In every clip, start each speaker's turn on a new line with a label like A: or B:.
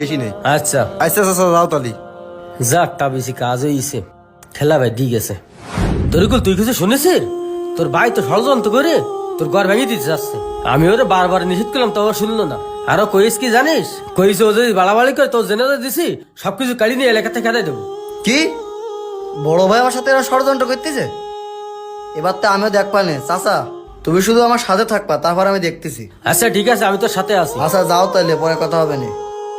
A: বেশি নেই।
B: আচ্ছা
A: আচ্ছা আচ্ছা যাও তালি।
B: যাকটা বেশি কাজ হয়েছে, খেলা ভাই দিয়ে গেছে। তরিকুল তুই কিছু শুনেছিস? তোর ভাই তো ষড়যন্ত্র করে তোর ঘর ভেঙে দিতে যাচ্ছে। আমি ওরে বারবার নিষেধ করলাম, তো ও শুনলো না। আরো কইস কি জানিস, কইস ও যদি বাড়াবাড়ি করে তোর জেনে দিছি সবকিছু কাড়ি নিয়ে এলাকা থেকে খেদাই দেবো।
C: কি বড় ভাই আমার সাথে এরা ষড়যন্ত্র করতেছে? এবার তো আমিও দেখ পানে। চাচা তুমি শুধু আমার সাথে থাকবা, তারপর আমি দেখতেছি।
B: আচ্ছা ঠিক আছে, আমি তোর সাথে আছি।
C: আচ্ছা যাও তাইলে, পরে কথা হবে না।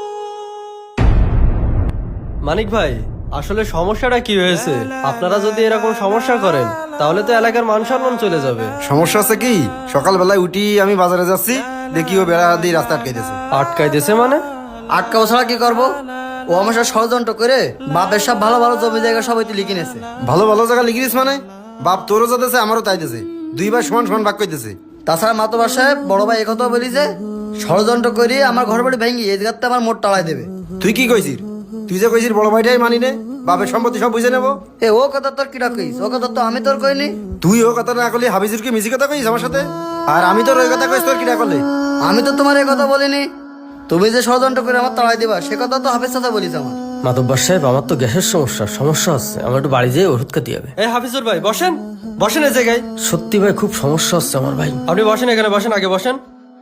D: মানিক ভাই, আসলে সমস্যাটা কি হয়েছে? আপনারা যদি এরকম সমস্যা করেন তাহলে তো এলাকার মান সম্মান চলে যাবে।
A: সমস্যা আছে কি, সকালবেলায় উঠি আমি বাজারে যাচ্ছি, দেখি ও বেড়া দিয়ে রাস্তা আটকাইতেছে।
D: আটকাই দিয়েছে মানে?
C: আটকাও ছাড়া কি করবো? ও আমার সাথে ষড়যন্ত্র করে বাপের সব ভালো ভালো জমি জায়গা সবাই তো লিখে নিয়েছে।
A: ভালো ভালো জায়গা লিখিস মানে? বাপ তোরও যাতেছে আমারও তাই দিছে, দুইবার সমান সমান ভাগ কইতেছে।
C: তাছাড়া মাতবার সাহেব বড় ভাই একথা বলি যে ষড়যন্ত্র করি আমার ঘর বাড়ি ভেঙে এই জায়গাতে আমার মোট টালাই দেবে।
A: তুই কি কইছিস? তুই যে কইছিস বড় ভাইটাই মানি নে, বাপের সম্পত্তি সব বুঝে নেবো।
C: এ ও কথা তোর কিটা কইস? ও কথা তো আমি তোর কইনি।
A: তুই ও কথা না করলে হাবিজুরকে মিছি কথা কইস আমার সাথে, আর আমি তোর ওই কথা কইস তোর কিটা করলে?
C: আমি তো তোমার এই কথা বলিনি। তুমি যে ষড়যন্ত্র করে আমার তাড়াই দিবা সে কথা তো হাফেজ চাচা বলিস আমার।
B: মাতব্বর সাহেব, আমার তো গ্যাসের সমস্যা হচ্ছে, আমার একটু বাড়ি যেয়ে ওষুধ খেতে হবে।
D: এই হাফিজুর ভাই বসেন, বসেন এই জায়গায়।
B: সত্যি ভাই খুব সমস্যা হচ্ছে আমার ভাই।
D: আপনি বসেন এখানে, বসেন, আগে বসেন।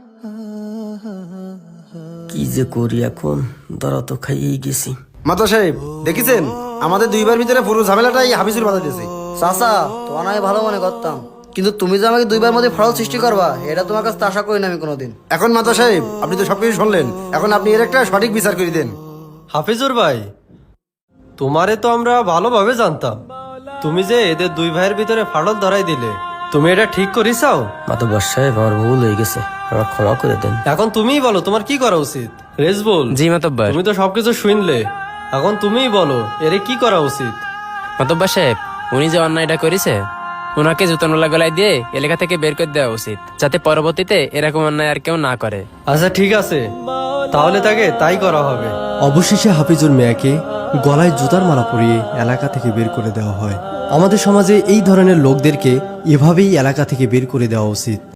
B: কি যে করি এখন, ধরা তো খাইয়েই গেছি।
A: মাতা সাহেব দেখেছেন, আমাদের দুইবার ভিতরে পুরো ঝামেলাটাই হাবিজুর বাধা দিয়েছে।
C: চাচা তোমার আমি ভালো মনে করতাম, কিন্তু তুমি যে আমাকে দুইবার মধ্যে ফাড়ল সৃষ্টি করবা এটা তোমার কাছে আশা করি না আমি কোনোদিন।
A: এখন মাতা সাহেব আপনি তো সবকিছু শুনলেন, এখন আপনি এর একটা সঠিক বিচার করে দেন।
D: হাফিজুর ভাই, তোমারে তো আমরা ভালোভাবে জানতাম, তুমি যে এদের দুই ভাইয়ের ভিতরে ফাটল ধরাই দিলে, তুমি এটা ঠিক করিসাও?
B: মাতব্বর সাহেব আমার ভুল হয়ে গেছে, আমার ক্ষমা করে দেন।
D: এখন তুমিই বলো তোমার কি করা উচিত। রেজবুল,
E: জি মাতব্বর।
D: তুমি তো সবকিছু শুনলে, এখন তুমিই বলো এর কি করা উচিত।
E: মাতব্বর সাহেব, উনি যে অন্যায়টা করেছে ওনাকে জুতোনলা গলায় দিয়ে এলাকা থেকে বের করে দেওয়া উচিত, যাতে পরবর্তীতে এরকম অন্যায় আর কেউ না করে।
D: আচ্ছা ঠিক আছে, তাহলে তাকে তাই করা হবে।
F: অবশেষে হাফিজুর মিয়াকে গলায় জুতার মালা পরিয়ে এলাকা থেকে বের করে দেওয়া হয়। আমাদের সমাজে এই ধরনের লোকদেরকে এভাবেই এলাকা থেকে বের করে দেওয়া উচিত।